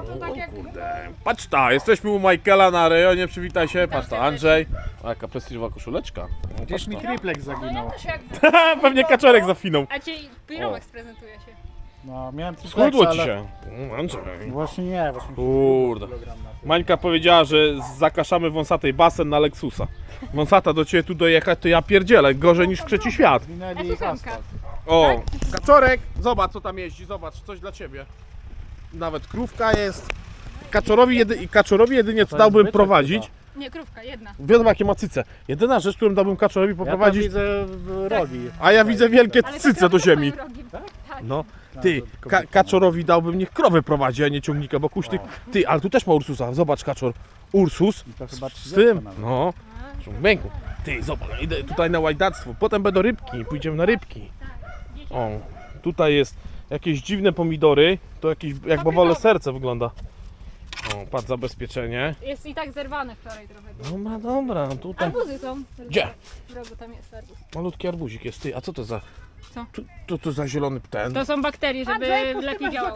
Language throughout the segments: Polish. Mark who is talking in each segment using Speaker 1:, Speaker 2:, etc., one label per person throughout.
Speaker 1: to tak jak...
Speaker 2: Kurde. Patrz ta, jesteśmy u Michaela na rejonie, przywitaj się, patrz ta, Andrzej. O, jaka prestiżowa koszuleczka. O,
Speaker 3: Gdzieś mi triplex
Speaker 1: No ja
Speaker 3: zaginął.
Speaker 1: też jak...
Speaker 2: pewnie kaczorek zafinął.
Speaker 1: A cię Piromek sprezentuje się.
Speaker 3: No, miałem triplexa,
Speaker 2: Schudło ci
Speaker 3: ale...
Speaker 2: się. Andrzej.
Speaker 3: Właśnie nie, właśnie
Speaker 2: Kurde. Mańka powiedziała, że zakaszamy wąsatej basen na Lexusa. Wąsata do ciebie tu dojechać, to ja pierdzielę, gorzej niż w trzeci świat.
Speaker 3: Zwinęli
Speaker 1: Ja
Speaker 3: ich
Speaker 1: tu
Speaker 3: asfalt.
Speaker 2: O, kaczorek, zobacz co tam jeździ, zobacz, coś dla ciebie. Nawet krówka jest. Kaczorowi jedynie co
Speaker 3: To jest
Speaker 2: dałbym
Speaker 3: byczek
Speaker 2: prowadzić.
Speaker 1: Nie, krówka, jedna.
Speaker 2: Wiadomo jakie ma cyce. Jedyna rzecz, którą dałbym kaczorowi
Speaker 3: Ja tam
Speaker 2: poprowadzić,
Speaker 3: widzę rogi.
Speaker 2: a ja widzę wielkie
Speaker 1: Ale
Speaker 2: cyce
Speaker 1: to
Speaker 2: do
Speaker 1: krowy
Speaker 2: ziemi.
Speaker 1: swoim rogiem. Tak.
Speaker 2: No, ty, kaczorowi dałbym, niech krowę prowadzi, a nie ciągnika, bo kuśtyk. Ty, ale tu też ma Ursusa, zobacz kaczor. Ursus
Speaker 3: To chyba
Speaker 2: z
Speaker 3: 30
Speaker 2: tym,
Speaker 3: nawet.
Speaker 2: no, ciągnięku. Ty, zobacz, idę tutaj na łajdactwo, potem będą rybki, pójdziemy na rybki. O, tutaj jest jakieś dziwne pomidory, to jakieś jak bawole serce wygląda. O, patrz, zabezpieczenie.
Speaker 1: Jest i tak zerwane wczoraj trochę.
Speaker 2: Dobra, dobra, tutaj
Speaker 1: Arbuzy są.
Speaker 2: Gdzie?
Speaker 1: W rogu tam jest arbuz.
Speaker 2: malutki arbuzik jest. Ty, a co to za...
Speaker 1: Co?
Speaker 2: To za zielony ten?
Speaker 1: To są bakterie, żeby lepiej działało.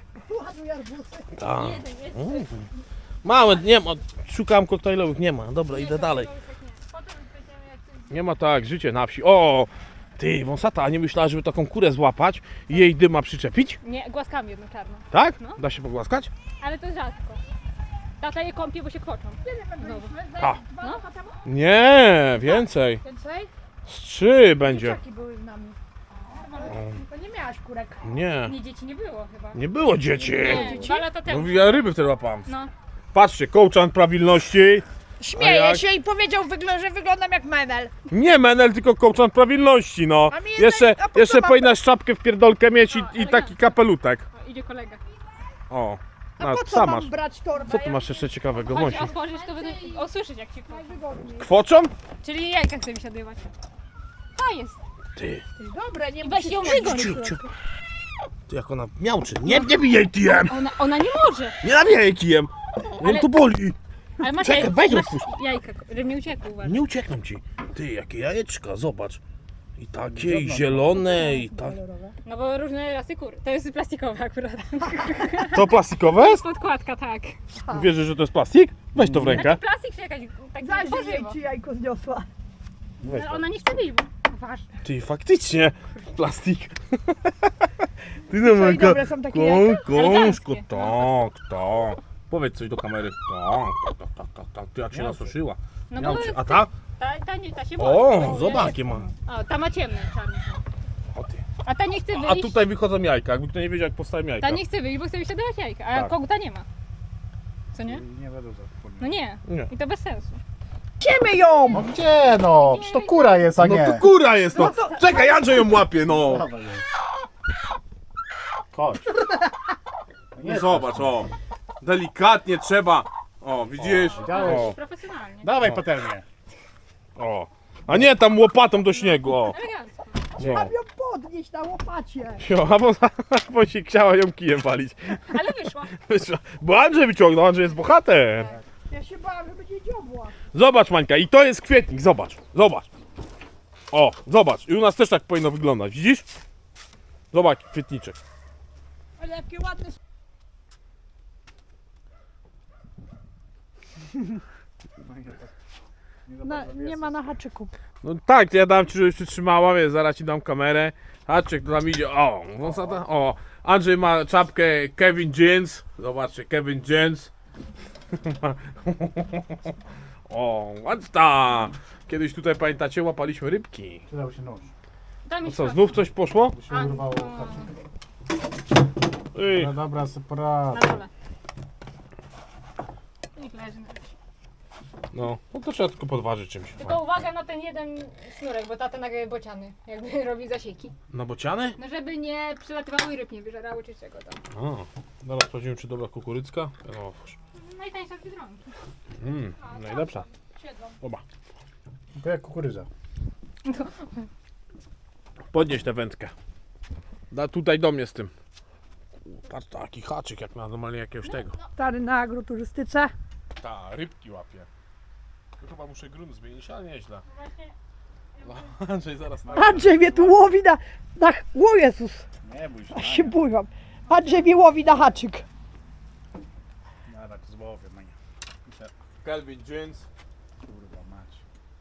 Speaker 2: Tak. Małe, nie ma, szukałem koktajlowych, nie ma. Dobra, idę dalej. Nie ma tak, życie na wsi. O! Ty, wąsata, a nie myślała, żeby taką kurę złapać i jej dyma przyczepić?
Speaker 1: Nie, głaskami jedną czarną.
Speaker 2: Tak?
Speaker 1: No.
Speaker 2: Da się pogłaskać?
Speaker 1: Ale to rzadko. Tata je kąpie, bo się kwoczą.
Speaker 2: A.
Speaker 1: No.
Speaker 2: Nie, więcej.
Speaker 4: Więcej?
Speaker 2: Z 3 będzie.
Speaker 4: Taki były z nami. To nie miałaś kurek.
Speaker 2: Nie,
Speaker 1: Nie, dzieci nie było chyba.
Speaker 2: nie było dzieci.
Speaker 1: Nie, 2 lata temu.
Speaker 2: No ja ryby wtedy łapałem.
Speaker 1: No.
Speaker 2: Patrzcie, kołczan prawilności. A
Speaker 4: Śmieje
Speaker 2: jak?
Speaker 4: się i powiedział, że wyglądam jak menel.
Speaker 2: Nie menel, tylko kołczan prawilności, no.
Speaker 4: A mi
Speaker 2: Jeszcze,
Speaker 4: jednak- a po co
Speaker 2: jeszcze
Speaker 4: mam-
Speaker 2: powinnaś czapkę w pierdolkę mieć i taki
Speaker 1: elegancko.
Speaker 2: kapelutek.
Speaker 1: O, idzie kolega.
Speaker 2: O,
Speaker 4: A
Speaker 2: no,
Speaker 4: po co
Speaker 2: sam
Speaker 4: mam
Speaker 2: masz.
Speaker 4: brać torbę?
Speaker 2: Co tu masz jeszcze ciekawego,
Speaker 1: Chodź,
Speaker 2: Wąsi?
Speaker 1: otworzysz, to będę usłyszeć jak ci kwoczą.
Speaker 4: Najwygodniej.
Speaker 2: Kwoczą?
Speaker 1: Czyli jajka chce wysiadywać. To jest.
Speaker 2: Ty,
Speaker 4: Dobre, nie
Speaker 1: I weź ją
Speaker 2: ciu, ciu. Ty jak ona miałczy. Nie bij jej kijem!
Speaker 1: Ona nie może.
Speaker 2: Nie nabijaj jej kijem! Ją
Speaker 1: Ale-
Speaker 2: tu boli!
Speaker 1: Ale masz
Speaker 2: Czekaj, weź
Speaker 1: masz
Speaker 2: odpuść.
Speaker 1: jajka, żeby nie uciekł, uważaj.
Speaker 2: Nie uciekną ci. Ty, jakie jajeczka, zobacz. I takie, i zielone, i tak.
Speaker 1: No bo różne rasy kur. To jest plastikowe akurat.
Speaker 2: To plastikowe jest?
Speaker 1: Podkładka, tak.
Speaker 2: Wierzysz, że to jest plastik? Weź to w rękę.
Speaker 1: Plastik czy jakaś tak
Speaker 4: Zajrzyj jej,
Speaker 1: warzywo.
Speaker 4: ci jajko zniosła.
Speaker 2: Weź
Speaker 1: Ale
Speaker 2: to.
Speaker 1: ona nie chce być, bo uważaj.
Speaker 2: Ty, faktycznie, plastik. Ty no,
Speaker 4: Co, i dobre są takie jajka?
Speaker 2: kążko,
Speaker 1: Eleganckie.
Speaker 2: tak. Powiedz coś do kamery. Tak. Ty jak się nasuszyła.
Speaker 1: No
Speaker 2: Miał
Speaker 1: bo
Speaker 2: ci- A ta?
Speaker 1: ta się boi.
Speaker 2: O, zobacz jakie ma.
Speaker 1: O, ta ma ciemne, czarne.
Speaker 2: O ty.
Speaker 1: A ta nie chce
Speaker 2: A
Speaker 1: wyjść.
Speaker 2: tutaj wychodzą jajka, jakby kto nie wiedział jak powstają jajka.
Speaker 1: Ta nie chce wyjść, bo chce wysiadować jajka, a
Speaker 2: Tak.
Speaker 1: koguta nie ma. Co nie?
Speaker 3: Nie będę za
Speaker 1: No nie.
Speaker 2: Nie.
Speaker 1: I to bez sensu.
Speaker 4: Siemy ją!
Speaker 3: No gdzie no? Przecież to kura jest, a
Speaker 2: No
Speaker 3: nie.
Speaker 2: to kura jest, no. Czekaj, Andrzej ją łapie, no.
Speaker 3: Dawaj ją. Chodź.
Speaker 2: No zobacz, o. Delikatnie trzeba. O, widzisz?
Speaker 3: widziałeś?
Speaker 2: O,
Speaker 1: Profesjonalnie.
Speaker 3: Dawaj patelnię.
Speaker 2: o. A nie tam łopatą do śniegu, o.
Speaker 1: Elegancko.
Speaker 2: No.
Speaker 4: Mam ją podnieść na łopacie.
Speaker 2: Jo, bo się chciała ją kijem walić.
Speaker 1: Ale wyszła.
Speaker 2: Wyszła. Bo Andrzej wyciągnął, Andrzej jest bohater.
Speaker 4: Ja się bałam, że będzie dziobła.
Speaker 2: Zobacz, Mańka, i to jest kwietnik, zobacz, zobacz. O, zobacz, i u nas też tak powinno wyglądać, widzisz? Zobacz, kwietniczek.
Speaker 4: Ale jakie ładne... nie ma na haczyku.
Speaker 2: No tak, to ja dam ci, żebyś przytrzymała, wiesz, zaraz ci dam kamerę. Haczyk, to tam idzie, o, wąsata, o. Andrzej ma czapkę Kevin Jeans, zobaczcie, Kevin Jeans. O, ładna. Kiedyś tutaj, pamiętacie, łapaliśmy rybki.
Speaker 3: Przydał się nóż.
Speaker 1: Tam
Speaker 2: No
Speaker 1: jest
Speaker 2: co, znów coś poszło?
Speaker 3: Bo się urwało haczyk.
Speaker 2: Ej,
Speaker 3: No dobra, separa.
Speaker 1: na dole. Niech leży na razie.
Speaker 2: no to trzeba tylko podważyć czymś.
Speaker 1: Tylko uwaga na ten jeden sznurek, bo tata nagle bociany, jakby robi zasieki.
Speaker 2: Na bociany?
Speaker 1: No żeby nie przylatywały ryb, nie wyżerały czy czego tam.
Speaker 2: A, zaraz sprawdzimy, czy dobra kukurycka. No,
Speaker 1: Najtańsza z Biedronki.
Speaker 2: najlepsza.
Speaker 1: Siedzą.
Speaker 2: Oba.
Speaker 3: To jak kukurydza.
Speaker 2: Podnieś tę wędkę. Tutaj do mnie z tym. Patrz, taki haczyk jak na normalnie jakiegoś tego.
Speaker 4: Stary na agroturystyce.
Speaker 2: Ta, rybki łapie. To chyba muszę grunt zmienić, ale nieźle.
Speaker 1: Właśnie
Speaker 2: No, Andrzej zaraz na...
Speaker 4: Andrzej mnie tu łowi na... O Jezus,
Speaker 3: Nie bój się.
Speaker 4: aż się bójam. Andrzej mnie łowi na haczyk.
Speaker 3: Rybowie, mania.
Speaker 2: Kelvin Jeans.
Speaker 3: Kurwa mać.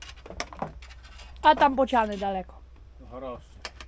Speaker 4: A tam bociany daleko.
Speaker 3: No choroszczy.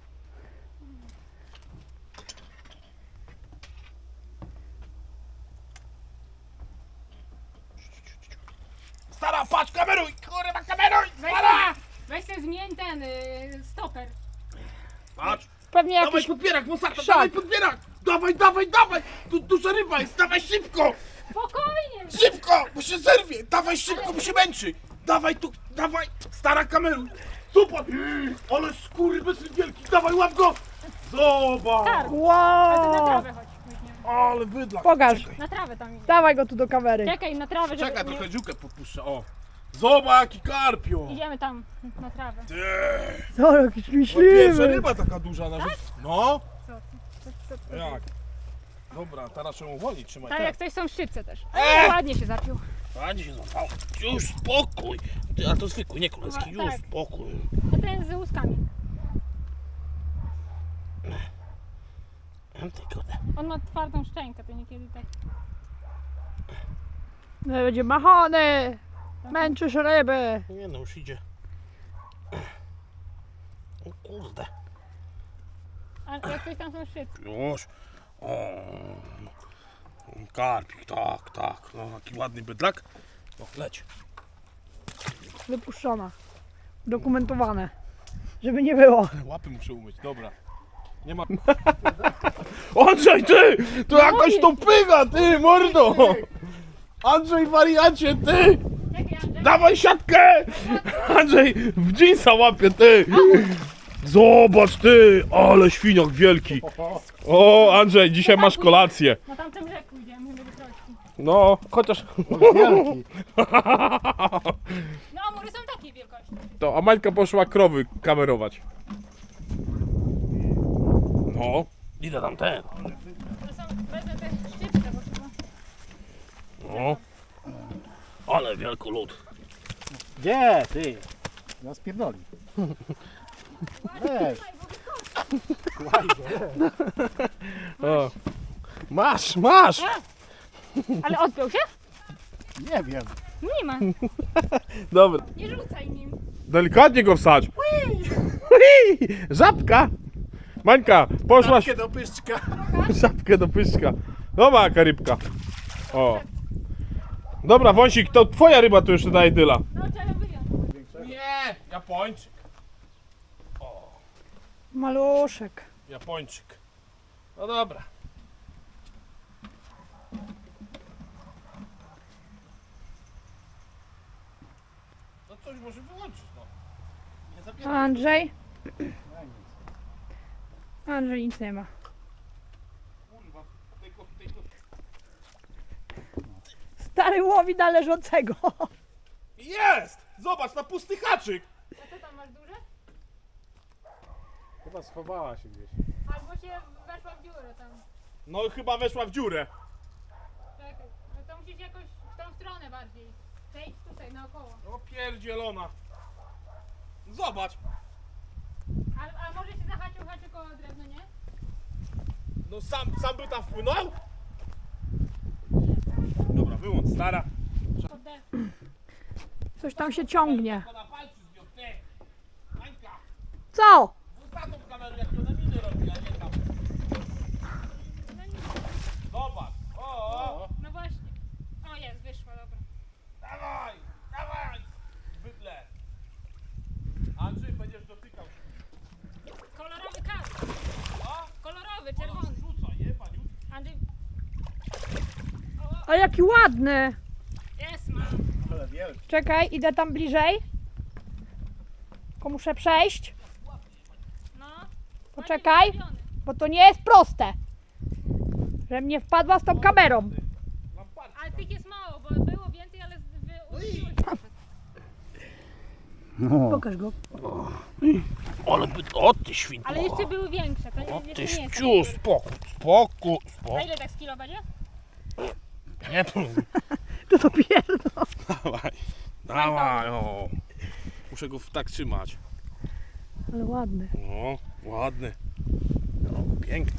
Speaker 2: Stara, patrz, kameruj! Kurwa, kameruj! Stara!
Speaker 1: Weź sobie zmień ten stoper.
Speaker 2: Patrz!
Speaker 4: Pewnie
Speaker 2: Dawaj
Speaker 4: jakiś...
Speaker 2: podbierak, Mosata,
Speaker 4: Szak.
Speaker 2: dawaj podbierak! Dawaj, dawaj, dawaj! Tu duża ryba jest, dawaj szybko!
Speaker 1: Spokojnie!
Speaker 2: Szybko, bo się zerwie! Dawaj szybko, bo się męczy! Dawaj tu, dawaj! Stara, kameruj! Zobacz! Ale skurwysyn wielki, dawaj, łap go! Zobacz!
Speaker 1: A ty na
Speaker 4: Wow!
Speaker 1: trawę chodź. weźmiemy.
Speaker 2: Ale bydlak!
Speaker 4: Pokaż.
Speaker 2: Czekaj,
Speaker 1: Na trawę tam idzie.
Speaker 4: Dawaj go tu do kamery.
Speaker 1: Czekaj, na trawę, żeby
Speaker 2: czekaj
Speaker 1: nie...
Speaker 2: trochę dziurkę podpuszczę, o! Zobacz, jaki karpio!
Speaker 1: Idziemy tam, na trawę.
Speaker 2: Ty!
Speaker 4: Co, jakiś
Speaker 2: Pierwsza
Speaker 4: myśliwy.
Speaker 2: ryba taka duża na życie. No!
Speaker 1: Co?
Speaker 2: Jak? Dobra, teraz trzeba uwolnić, trzymaj.
Speaker 1: Tak, jak coś są szczypce też. Ładnie się zapił.
Speaker 2: Ładnie się złapało. Już spokój. Ty, a to zwykły, nie królewski. Już
Speaker 1: Tak.
Speaker 2: spokój.
Speaker 1: A ten z łuskami.
Speaker 2: Ty kurde.
Speaker 1: On ma twardą szczękę, to niekiedy tak.
Speaker 4: No, będzie machany. Męczysz ryby.
Speaker 2: Nie no, już idzie. O kurde.
Speaker 1: A jak coś tam są szczypce.
Speaker 2: Już. O. Karpik, tak, tak. No, taki ładny bydlak. No, leć.
Speaker 4: Wypuszczona. Dokumentowane. Żeby nie było.
Speaker 2: Łapy muszę umyć, dobra. Nie ma... Andrzej, ty! To jakoś to pyga, ty, mordo! Andrzej, wariacie, ty!
Speaker 1: Czekaj, Andrzej.
Speaker 2: Dawaj siatkę! Andrzej, w jeansa łapie, ty! Zobacz, ty! Ale świniak wielki! O, Andrzej, dzisiaj masz kolację.
Speaker 1: Na tamtym rzeku idziemy, żeby troszki.
Speaker 2: No, chociaż...
Speaker 3: Wielki.
Speaker 1: No, amury są takiej wielkości.
Speaker 2: To, a Mańka poszła krowy kamerować. No, idę tam ten.
Speaker 1: To są, wezmę te szczypce, bo chyba...
Speaker 2: No. Ale wielki lód.
Speaker 3: Gdzie ty? Nas pierdoli. Weź. Słuchaj go.
Speaker 2: O. Masz, masz!
Speaker 1: Ale odpiął się?
Speaker 3: Nie wiem.
Speaker 1: Nie ma.
Speaker 2: Dobra,
Speaker 1: Nie rzucaj nim.
Speaker 2: delikatnie go wsadź. Ui, żabka! Mańka, poszłaś
Speaker 3: Żabkę do pyszczka.
Speaker 2: żabkę do pyszka. Dobra, jaka rybka. O. Dobra, Wąsik, to twoja ryba tu jeszcze daje dyla.
Speaker 1: No, trzeba wyjąć.
Speaker 2: Nie, Japończyk.
Speaker 4: Maluszek.
Speaker 2: Japończyk. No dobra. No coś może wyłączyć, no. Nie
Speaker 4: A
Speaker 2: zabieram.
Speaker 4: Andrzej? Andrzej nic nie ma.
Speaker 2: Kurwa, tego.
Speaker 4: Stary łowi na leżącego.
Speaker 2: Jest! Zobacz, na pusty haczyk.
Speaker 1: A co tam masz duże?
Speaker 3: Chyba schowała się gdzieś.
Speaker 1: Albo się weszła w dziurę tam.
Speaker 2: No chyba weszła w dziurę.
Speaker 1: Czekaj, no to musisz jakoś w tą stronę bardziej. Przejdź tutaj naokoło.
Speaker 2: No pierdzielona. Zobacz.
Speaker 1: A może się zahaczył haczyk o drewno, nie?
Speaker 2: No sam by tam wpłynął? Dobra, wyłącz, stara.
Speaker 1: Oddech.
Speaker 4: Coś tam się ciągnie.
Speaker 2: To na palcu zbił, ty. Mańka,
Speaker 4: Co?
Speaker 2: ostatnią kamerę, jak to na miny robi, a nie tam. Zobacz. O.
Speaker 1: No właśnie. O jest, wyszła, dobra.
Speaker 2: Dawaj, dawaj. Bydle. Andrzej, będziesz dotykał.
Speaker 1: Kolorowy karp.
Speaker 2: O,
Speaker 1: Kolorowy, czerwony.
Speaker 2: rzuca, je, paniutki.
Speaker 1: Andrzej,
Speaker 4: A jaki ładny.
Speaker 1: jest, ma.
Speaker 3: Ale wielki.
Speaker 4: Czekaj, idę tam bliżej. Tylko muszę przejść,
Speaker 1: No.
Speaker 4: Poczekaj.
Speaker 1: Ładnie zrobiony.
Speaker 4: bo to nie jest proste. Żebym nie wpadła z tą kamerą.
Speaker 2: Lamparki.
Speaker 1: Ale tych jest mało, bo było więcej, ale uczyły
Speaker 3: No.
Speaker 4: Pokaż go.
Speaker 2: Ale o ty świnko.
Speaker 1: Ale jeszcze były większe, to
Speaker 2: O
Speaker 1: jeszcze
Speaker 2: ty
Speaker 1: nie jest.
Speaker 2: ściu, spokój.
Speaker 1: A ile tak z kilo będzie?
Speaker 2: Nie,
Speaker 4: To dopiero.
Speaker 2: dawaj, o. Muszę go tak trzymać.
Speaker 4: Ale ładny.
Speaker 2: No, ładny. No, piękny.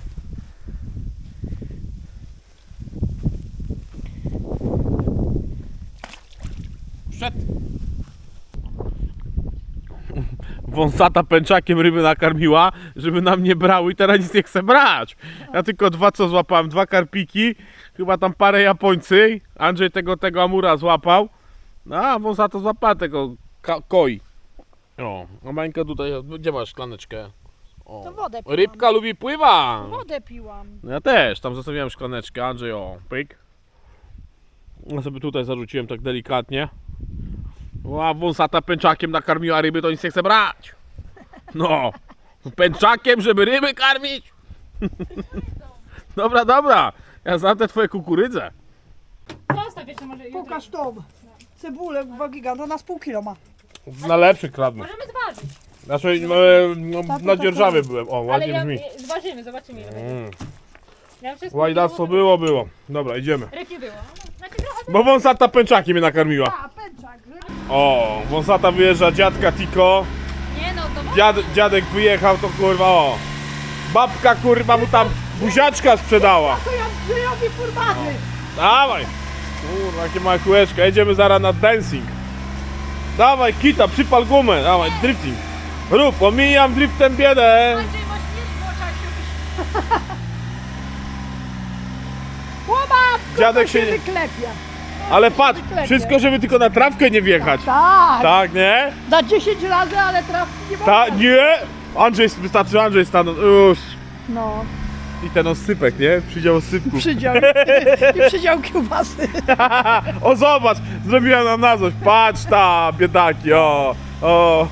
Speaker 2: wąsata pęczakiem ryby nakarmiła, żeby nam nie brały i teraz nic nie chce brać. Ja tylko dwa co złapałem, 2 karpiki, chyba tam parę Japońcy. Andrzej tego amura złapał. No, a wąsata złapała tego koi. O, a Mańka tutaj, gdzie masz szklaneczkę? O,
Speaker 4: To wodę piłam.
Speaker 2: rybka lubi pływa.
Speaker 4: Wodę piłam.
Speaker 2: No ja też, tam zostawiłem szklaneczkę, Andrzej, o, pyk. Ja sobie tutaj zarzuciłem tak delikatnie. A wąsata pęczakiem nakarmiła ryby, to nic nie chce brać. No, pęczakiem, żeby ryby karmić. Dobra, dobra, ja znam te twoje kukurydze.
Speaker 1: Zostaw jeszcze może jutro.
Speaker 5: Pokaż tą cebulę, była giganta, na z pół kilo ma.
Speaker 2: Na lepszych kradnę.
Speaker 1: Możemy zważyć.
Speaker 2: Znaczy, na dzierżawie byłem, o,
Speaker 1: Ale
Speaker 2: ładnie
Speaker 1: ja,
Speaker 2: brzmi.
Speaker 1: zważymy, zobaczymy ile będzie.
Speaker 2: Mm.
Speaker 1: Ja wszystko
Speaker 2: Łajdactwo było. Dobra, idziemy.
Speaker 1: Ryb nie było. Znaczy trochę
Speaker 2: Bo wąsata pęczakiem mnie nakarmiła.
Speaker 5: A, pęczak, że...
Speaker 2: O, wąsata wyjeżdża, dziadka Tiko.
Speaker 1: nie no, to
Speaker 2: Dziadek wyjechał, to kurwa, o. Babka kurwa mu tam buziaczka sprzedała.
Speaker 5: To ja robię furmany.
Speaker 2: Dawaj. Kurwa, jakie małe kółeczka. Jedziemy zaraz na dancing. Dawaj, kita, przypal gumę. Dawaj, drifting. Rób, omijam driftem biedę.
Speaker 1: Andrzej ma śmierć w oczach.
Speaker 5: Chłopak,
Speaker 2: Dziadek się
Speaker 5: się
Speaker 2: nie...
Speaker 5: wyklepia.
Speaker 2: Ale patrz, wszystko, żeby tylko na trawkę nie wjechać.
Speaker 5: Tak,
Speaker 2: Tak, nie?
Speaker 5: da 10 razy, ale trawki nie można.
Speaker 2: Nie. Andrzej, wystarczy Andrzej stanął. Już.
Speaker 5: No,
Speaker 2: I ten osypek, nie? Przydział osypku.
Speaker 5: przydział. I przydział kiełbasy.
Speaker 2: O, zobacz, zrobiła nam na coś. Patrz ta, biedaki, o. O.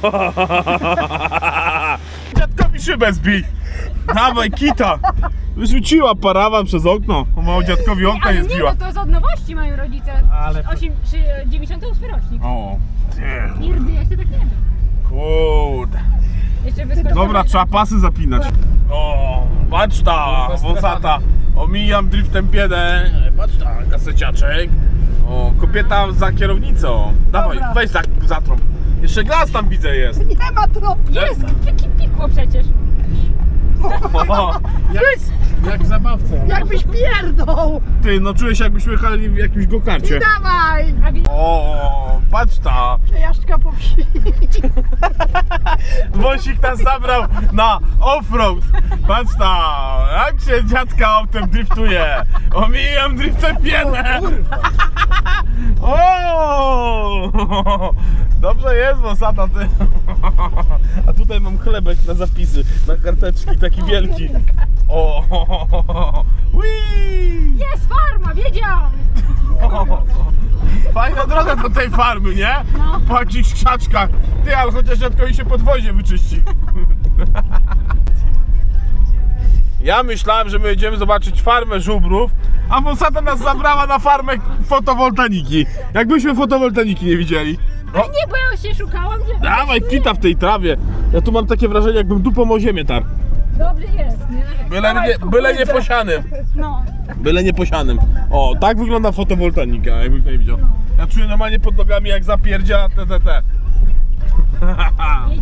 Speaker 2: Dziadkowi szybę zbij. Dawaj, kita. Wyrzuciła parawan przez okno. Mało dziadkowi okna
Speaker 1: Ale
Speaker 2: nie
Speaker 1: nie,
Speaker 2: zbiła.
Speaker 1: no to z od nowości mają rodzice.
Speaker 2: Ale-
Speaker 1: 98 rocznik.
Speaker 2: O. Nie.
Speaker 1: Nigdy jeszcze tak nie wiem.
Speaker 2: Kurde.
Speaker 1: Jeszcze wyskoczył.
Speaker 2: Dobra, trzeba pasy zapinać. O, patrz ta, wąsata. Omijam driftem biedę. Patrz ta, kaseciaczek. O, kobieta za kierownicą. Dawaj,
Speaker 5: Dobra.
Speaker 2: weź za trąb. Jeszcze gaz tam widzę jest.
Speaker 5: Nie ma tropki.
Speaker 1: Jest, pikło przecież.
Speaker 2: O, jak w zabawce.
Speaker 5: Jakbyś pierdął.
Speaker 2: Ty, no czuję się jakbyśmy jechali w jakimś gokarcie.
Speaker 5: Dawaj.
Speaker 1: A
Speaker 2: O, patrz ta.
Speaker 5: Przejażdżka po wsi.
Speaker 2: Wąsik nas zabrał na offroad. Patrz ta, jak się dziadka autem driftuje. Omijam driftem biedę. O! Dobrze jest, wąsata, ty. A tutaj mam chlebek na zapisy, na karteczki, taki wielki. O! Whee!
Speaker 1: jest farma, wiedziałam.
Speaker 2: Fajna droga do tej farmy, nie? Po jakichś krzaczkach. Ty, ale chociaż dziadkowi się podwozie wyczyści. Ja myślałem, że my jedziemy zobaczyć farmę żubrów, a wąsata nas zabrała na farmę fotowoltaniki. Jakbyśmy fotowoltaniki nie widzieli. O,
Speaker 1: Nie, bo ja się szukałam, że...
Speaker 2: dawaj, kita w tej trawie. Ja tu mam takie wrażenie, jakbym dupą o ziemię tarł.
Speaker 1: Dobrze jest, nie narzekaj.
Speaker 2: Byle nie posianym.
Speaker 1: No.
Speaker 2: Byle nie posianym. O, tak wygląda fotowoltanika, jakby ktoś nie widział. Ja czuję normalnie pod nogami, jak zapierdzia te.